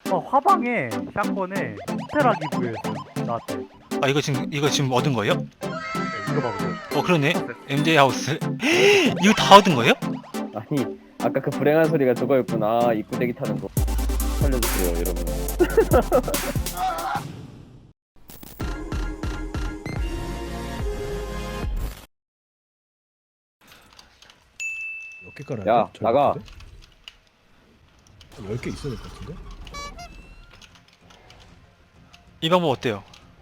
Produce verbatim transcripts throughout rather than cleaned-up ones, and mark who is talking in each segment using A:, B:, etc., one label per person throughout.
A: 어 화방에 샷건에 스테라 기부했어 나한테.
B: 아 이거 지금 이거 지금 얻은 거예요?
A: 네, 이거 봐 보세요.
B: 어 그러네. 엠제이 하우스. 이거 다 얻은 거예요?
C: 아니 아까 그 불행한 소리가 저거였구나. 입구 대기 타는 거. 살려주세요 여러분.
D: 몇 개 깔아야
C: 야,
D: 돼? 잘
C: 나가.
D: 같은데? 한 열 개 있어야 될 것 같은데?
B: 이 방법 어때요?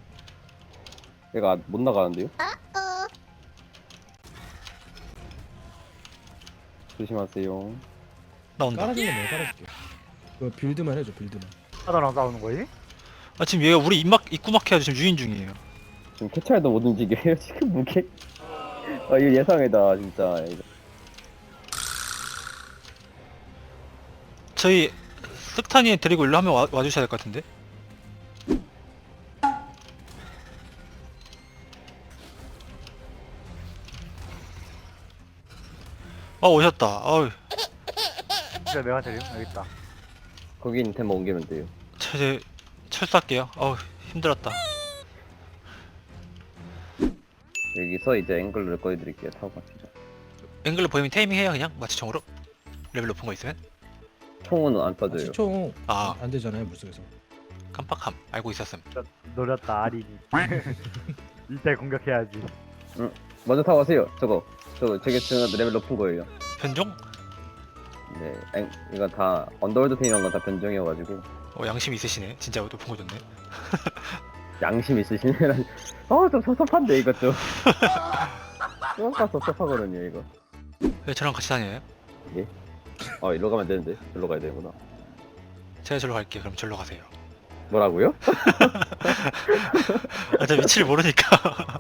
C: 얘가 못 나가는데요? 조심하세요.
B: 나온다.
D: 깔아주는 거 내가 깔아줄게. 그 빌드만 해줘 빌드만.
A: 하나랑 싸우는 거지?
B: 아 지금 얘가 우리 입막 입구 막혀가지고 지금 유인 중이에요.
C: 지금 캐치할도 못 움직여요. 지금 무게. 아 이거 예상이다 진짜. 이거.
B: 저희 쓱타니 데리고 일로 한명 와, 와주셔야 될 것 같은데. 아 오셨다. 아우
A: 진짜 내가 데림 여기 있다.
C: 거기 있는 템만 옮기면 돼요.
B: 저 이제 철수할게요. 아우 힘들었다.
C: 여기서 이제 앵글을 꺼내드릴게요. 타고 갑시다.
B: 앵글로 보이면 테이밍 해요 그냥 마취총으로. 레벨 높은 거 있으면.
C: 총은 안
D: 아,
C: 빠져요.
D: 시총
B: 아
D: 안 되잖아요 물속에서.
B: 깜빡함 알고 있었음.
A: 노렸다 아린이. 이때 공격해야지.
C: 먼저 타고 가세요. 저거. 저거 저게 지금 레벨 높은 거예요.
B: 변종?
C: 네. 앵, 이거 다 언더월드 템이란 건 다 변종이어가지고
B: 어 양심 있으시네. 진짜 높은 거 좋네.
C: 양심 있으시네라니. 어좀 섭섭한데 이것 좀. 좀 섭섭하거든요 이거.
B: 왜 저랑 같이 다녀요?
C: 어 이리로 가면 되는데 저리로 가야 되구나.
B: 제가 절로 갈게요. 그럼 절로 가세요.
C: 뭐라고요?
B: 아, 저 위치를 모르니까.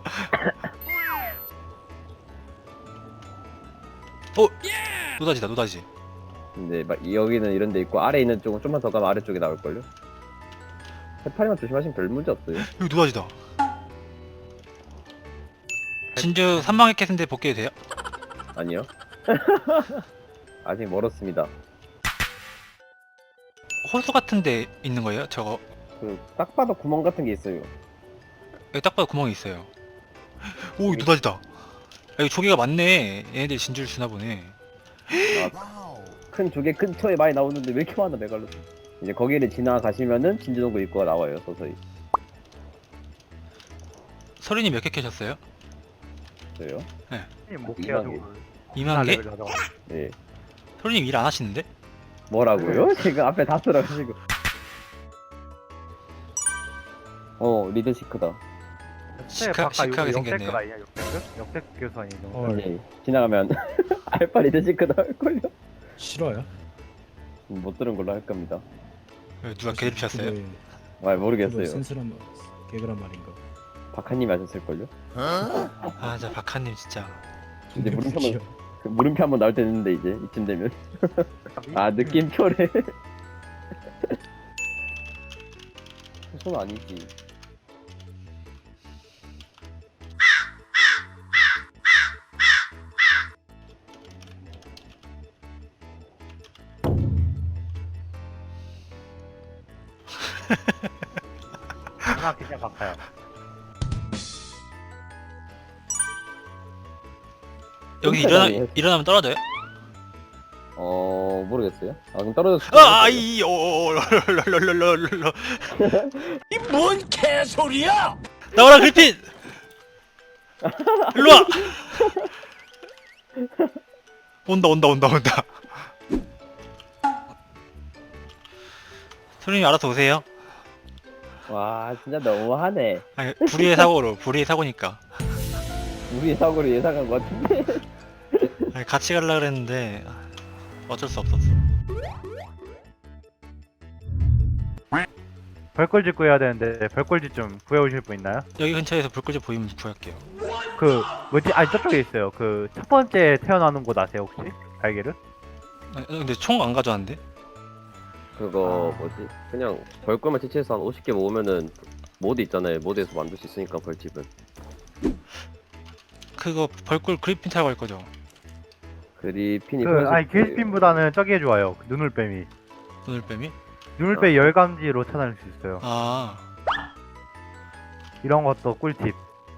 B: 어? 노다지다, 노다지.
C: 근데 막 여기는 이런 데 있고 아래 있는 쪽은 좀만 더 가면 아래쪽에 나올걸요? 해파리만 조심하시면 별 문제 없어요.
B: 여기 노다지다. 진주 삼방의 캣인데 복귀해도 돼요?
C: 아니요. 아직 멀었습니다.
B: 호수 같은 데 있는 거예요? 저거.
C: 그 딱 봐도 구멍 같은 게 있어요.
B: 여기 딱 봐도 구멍이 있어요. 오, 여기 노다지다. 여기 조개가 많네. 얘네들 진주를 주나 보네.
C: 큰 조개 근처에 많이 나오는데 왜 이렇게 많아 메갈로스. 이제 거기를 지나가시면은 진주동굴 입구가 나와요 서서히.
B: 서린이 몇 개 캐셨어요?
C: 저요?
A: 못
C: 이만
A: 해가지고.
B: 이만 개?
C: 네.
B: 서린이 일 안 하시는데?
C: 뭐라고요? 지금 앞에 다 쓰라가지고. 어 리드 시크다.
B: 시크, 시크하게 생겼네요.
A: 역대급 아니야 역대급? 역대급 교수아니 이 정도.
D: 헐.
C: 네. 지나가면 알파 리드 시크다 할걸요?
D: 싫어요?
C: 못 들은 걸로 할 겁니다.
B: 여기 누가 개들 피셨어요?
D: 그거에-
C: 아
D: 그거에
C: 모르겠어요.
D: 센스란 말 개그란 말인가?
C: 박하님이 하셨을걸요?
B: 아, 저 박하님 진짜.
C: 이제 물음표
D: 귀여워.
C: 한번 그 물음표 한번 나올 때 됐는데 이제 이쯤 되면 아 느낌표래. 손 아니지.
A: 하나 그냥 바꿔요.
B: 여기
C: 홈페이지
B: 일어나,
C: 아니에요?
B: 일어나면 떨어져요?
C: 어 모르겠어요. 아 그럼 떨어졌을
B: 아, 아, 이, 오, 오, 롤롤롤롤롤.
E: 뭔 개소리야!
B: 나와라, 그리핀! 일로와! 온다, 온다, 온다, 온다. 소린이 알아서 오세요.
C: 와 진짜 너무하네.
B: 아니, 불의의 사고로, 불의의 사고니까.
C: 우리 사고를 예상한 것 같은데.
B: 아니, 같이 가려고 그랬는데, 어쩔 수 없었어.
A: 별꼴집 구해야 되는데 별꼴집 좀 구해오실 분 있나요?
B: 여기 근처에서 불꽃이 보이면 구할게요.
A: 그 뭐지? 아니 저쪽에 있어요. 그 첫 번째 태어나는 곳 아세요 혹시? 달걀은?
B: 아니, 근데 총 안 가져왔는데?
C: 그거 뭐지? 그냥 벌꿀만 채취해서 한 오십 개 모으면은 모드 있잖아요. 모드에서 만들 수 있으니까 벌집은.
B: 그거 벌꿀 그리핀 타고 갈 거죠?
C: 그리핀이
A: 그
C: 편해질
A: 아니
C: 거예요.
A: 길핀보다는 저게 좋아요. 그 눈을빼미.
B: 눈을 빼미?
A: 눈물빼 열감지로 찾아낼 수 있어요.
B: 아
A: 이런 것도 꿀팁.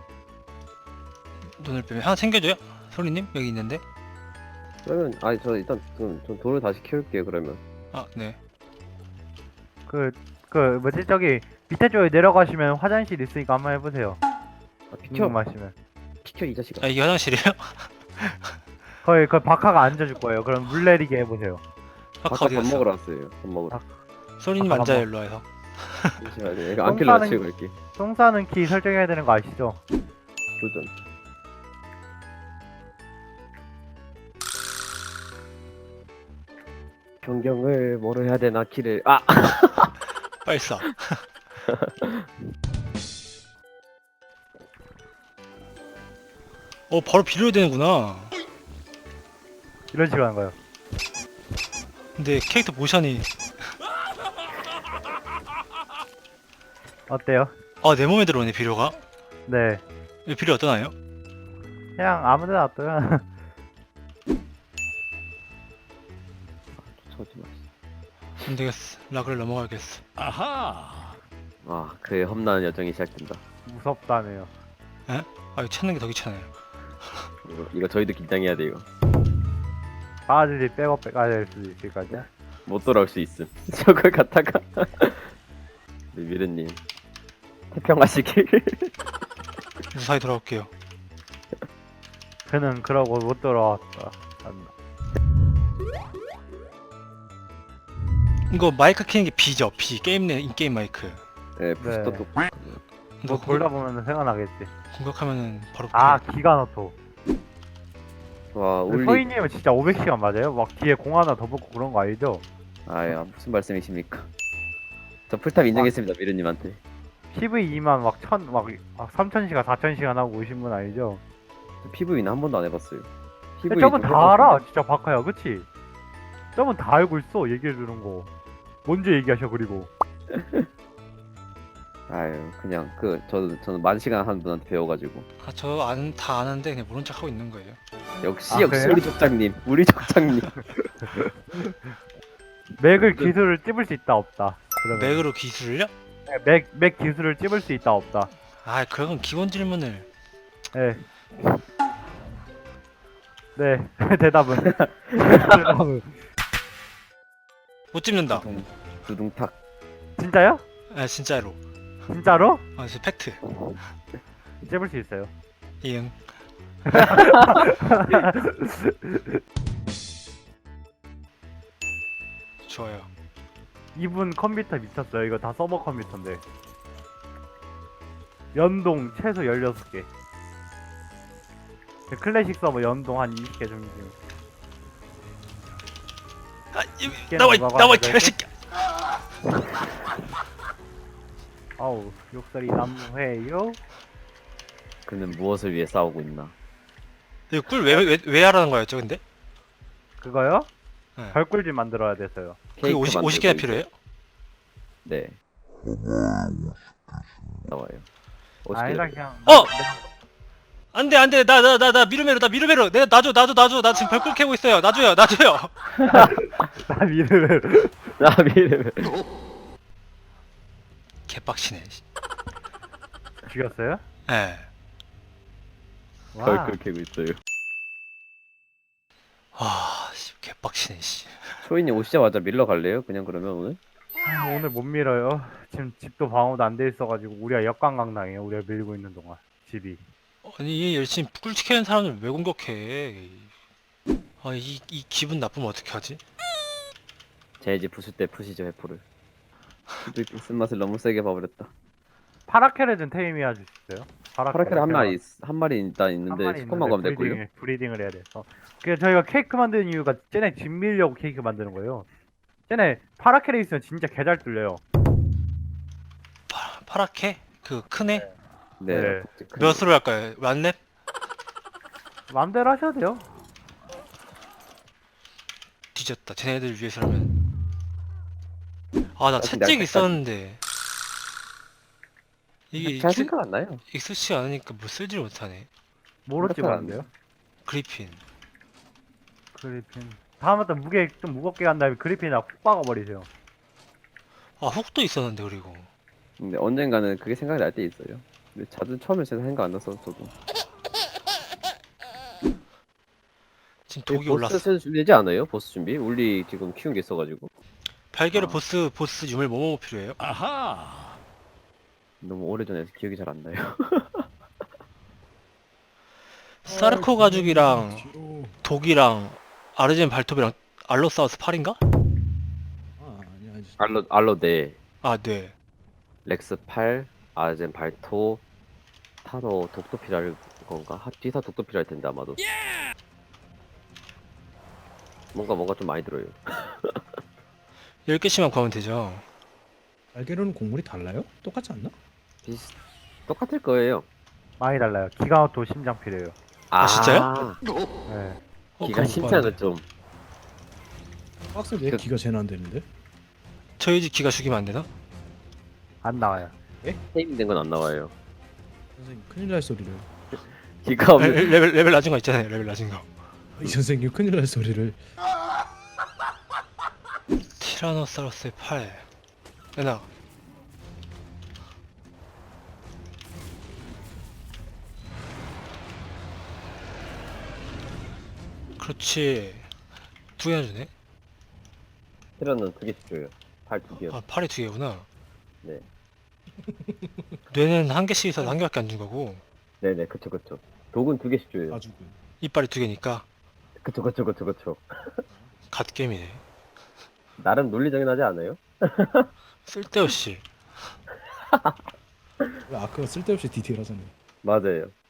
B: 눈을 빼면 하나 챙겨줘요? 소리님 여기 있는데.
C: 그러면 아니 저 일단 좀, 좀 돌을 다시 키울게요 그러면.
B: 아 네.
A: 그, 그, 뭐지, 저기, 밑에 쪽에 내려가시면 화장실 있으니까 한번 해보세요.
C: 아, 비켜
A: 궁금하시면.
C: 비켜 이 자식아.
B: 아 이게 화장실이에요?
A: 거의, 그 바카가 앉아줄 거예요. 그럼 물 내리게 해보세요.
B: 아까
C: 아까
B: 어디
C: 밥
B: 갔어?
C: 먹으러 왔어요. 밥 먹으러.
A: 아,
B: 소리님
A: 아까
B: 앉아요
A: 밥
B: 일로 와서.
C: 잠시만요. 이거 안
A: 똥
C: 킬러
A: 싸는-
C: 치고 갈게.
A: 똥 싸는 키 설정해야 되는 거 아시죠?
C: 도전. 변경을 뭐로 해야 되나 키를 아
B: 빨리 싸. 어 바로 빌려야 되는구나.
A: 이런 식으로 하는 거예요.
B: 근데 캐릭터 모션이
A: 어때요?
B: 아 내 몸에 들어오네 비료가.
A: 네.
B: 이 비료 어떠나요?
A: 그냥 아무데나 놔둬요.
C: 저지 마.
B: 안 되겠어. 락을 넘어가야겠어.
E: 아하.
C: 아 그의 험난한 여정이 시작된다.
A: 무섭다네요.
B: 아 이거 찾는 게 더 귀찮아요.
C: 이거, 이거 저희도 긴장해야 돼 이거.
A: 바가지 백업 가야 될 수도 있을까요?
C: 못 돌아올 수 있음. 저걸 갖다가 네, 미르님 태평하시길.
B: 무사히 돌아올게요.
A: 그는 그러고 못 돌아왔다. 안-
B: 이거 마이크 키는 게 B죠? B 게임 내 인게임 마이크.
C: 네 부스터
A: 네.
C: 또
A: 뭐
B: 너
A: 돌다 보면 생각나겠지.
B: 공격하면은 바로.
A: 아, 기가노토.
C: 와 울리.
A: 소희님은 진짜 오백 시간 맞아요? 막 뒤에 공 하나 더 붙고 그런 거 아니죠?
C: 아야 무슨 말씀이십니까? 저 풀탑 인정했습니다 미르님한테.
A: 피브이만 막 천, 막, 막 삼천 시간, 사천 시간 하고 오신 분 아니죠?
C: 피브이는 한 번도 안 해봤어요.
A: 근데
C: 피브이
A: 저분
C: 좀
A: 다
C: 해봤어요.
A: 알아, 진짜 바카야, 그치? 저분 다 알고 있어, 얘기해주는 거. 먼저 얘기하셔, 그리고.
C: 아유 그냥 그 저는 저는 만 시간 한 분한테 배워가지고
B: 아저안다 아는데 그냥 모른 척 하고 있는 거예요.
C: 역시
A: 아,
C: 역시
A: 그래요?
C: 우리 족장님 우리 족장님.
A: 맥을 기술을 찝을 수 있다, 없다. 그러면.
B: 맥으로 기술을요?
A: 네, 맥, 맥 기술을 찝을 수 있다, 없다.
B: 아 그건 기본 질문을.
A: 네. 네, 대답은. 대답은.
B: 못 찝는다.
C: 두둥, 두둥탁.
A: 진짜요?
B: 아 진짜로.
A: 진짜로?
B: 아 진짜 팩트.
A: 찝을 수 있어요.
B: 이응. 좋아요.
A: 이분 컴퓨터 미쳤어요. 이거 다 서버 컴퓨터인데. 연동 최소 열여섯 개. 클래식 서버 연동 한 이십 개 정도.
B: 아 이,
A: 깨는
B: 나와 이-
A: 거가
B: 나와 이
A: 아니라
B: 개새끼.
A: 아우, 욕설이 남무해요.
C: 그는 무엇을 위해 싸우고 있나?
B: 이거 꿀왜왜 왜 하라는 거였죠 근데?
A: 그거요?
B: 네.
A: 별꿀집 만들어야 돼서요.
B: 그게 오십 오십 개나 필요해요?
C: 네. 나와요. 오십 개.
A: 아니다, 그냥.
B: 어! 안돼 안돼 나 나 나 나 미르메로 나 미르메로 내가 놔줘 놔줘 놔줘 나 지금 별꿀 캐고 있어요 놔줘요 놔줘요.
A: 나 미르를.
C: 나 미르.
B: 개빡치네. 씨.
A: 죽였어요?
B: 예.
A: 와.
C: 벌꿀 캐고 있어요.
B: 와, 씨, 개빡치네, 씨.
C: 초이님 오시자마자 밀러 갈래요? 그냥 그러면 오늘?
A: 아, 오늘 못 밀어요. 지금 집도 방어도 안 돼 있어가지고 우리가 역관광 당해요. 우리가 밀고 있는 동안 집이.
B: 아니, 열심히 꿀 지키는 사람들 왜 공격해? 아, 이, 이 기분 나쁘면 어떻게 하지?
C: 제 집 부술 때 푸시죠 회포를. 수도 있고 쓴맛을 너무 세게 봐버렸다.
A: 파라케레든 테이미아 주셨어요?
C: 파라켈 한 마리 있- 한 마리 일단 있는데
A: 마리
C: 스코만 가면 될걸요?
A: 브리딩을, 브리딩을 해야 돼서. 그래서 저희가 케이크 만드는 이유가 쟤네 집 밀려고 케이크 만드는 거예요. 쟤네 파라케레 있으면 진짜 개잘 뚫려요.
B: 파, 파랗게? 그 크네?
C: 네.
A: 네.
C: 그-
B: 몇으로 할까요? 완랩?
A: 마음대로 하셔도 돼요.
B: 뒤졌다. 쟤네들 위해서라면. 아, 나
C: 아, 근데
B: 채찍
C: 아직까지-
B: 있었는데. 이게
C: 잘
B: 익숙,
C: 생각 안 나요.
B: 익숙치 않으니까 뭐 쓰질 못하네.
A: 뭐로
C: 생각 안
A: 찍었는데요?
B: 그리핀.
A: 그리핀. 다음부터 무게 좀 무겁게 간 다음에 그리핀이나 훅 박아버리세요.
B: 아 훅도 있었는데 그리고
C: 근데 언젠가는 그게 생각이 날 때 있어요. 근데 자주 처음에 제가 생각 안 나서 저도.
B: 지금 독이
C: 보스
B: 올랐어.
C: 슬슬 준비되지 않아요? 보스 준비? 우리 지금 키운 게 있어가지고
B: 발개로
C: 아.
B: 보스 보스 유물 뭐뭐 필요해요?
E: 아하.
C: 너무 오래전에서 기억이 잘 안 나요.
B: 사르코 가죽이랑
D: 뒤로.
B: 독이랑 아르젠 발톱이랑 알로사우스 팔인가?
D: 아 아니야 아니.
C: 알로 알로데,
B: 아 네.
C: 렉스 팔, 아젠 발토, 타로 독도 필요할 건가? 하- 뒤사 독도 필요할 텐데 아마도. 뭔가 뭔가 좀 많이 들어요.
B: 열 개씩만 구하면 되죠.
D: 날개로는 곡물이 달라요? 똑같지 않나?
C: 비슷 똑같을 거예요.
A: 많이 달라요. 기가도 심장 필요해요.
B: 아, 진짜요?
A: 네.
B: 어,
C: 기가
B: 그럼
C: 심장은 좀
D: 박스 왜
C: 그-
D: 기가 제일 안 되는데?
B: 저희 집 기가 죽이면 안 되나?
A: 안 나와요.
C: 테이밍된 건 안 나와요.
D: 선생님 큰일 날 소리를.
C: 기가 없는
B: 레- 레벨 레벨 낮은 거 있잖아요. 레벨 낮은 거.
D: 이 선생님 큰일 날 소리를.
B: 티라노사우루스의 팔. 내놔. 그렇지. 두 개나 주네.
C: 테러는 두 개씩 줘요. 팔 두 개요.
B: 아 팔이 두 개구나.
C: 네.
B: 뇌는 한 개씩 있어서 한 개밖에 안 준 거고
C: 네네 그쵸 그쵸. 독은 두 개씩 줘요.
D: 가죽은.
B: 이빨이 두 개니까
C: 그쵸 그쵸 그쵸 그쵸.
B: 갓겜이네.
C: 나름 논리적이 나지 않아요?
B: 쓸데없이.
D: 왜 아크가 쓸데없이 디테일하잖아요.
C: 맞아요.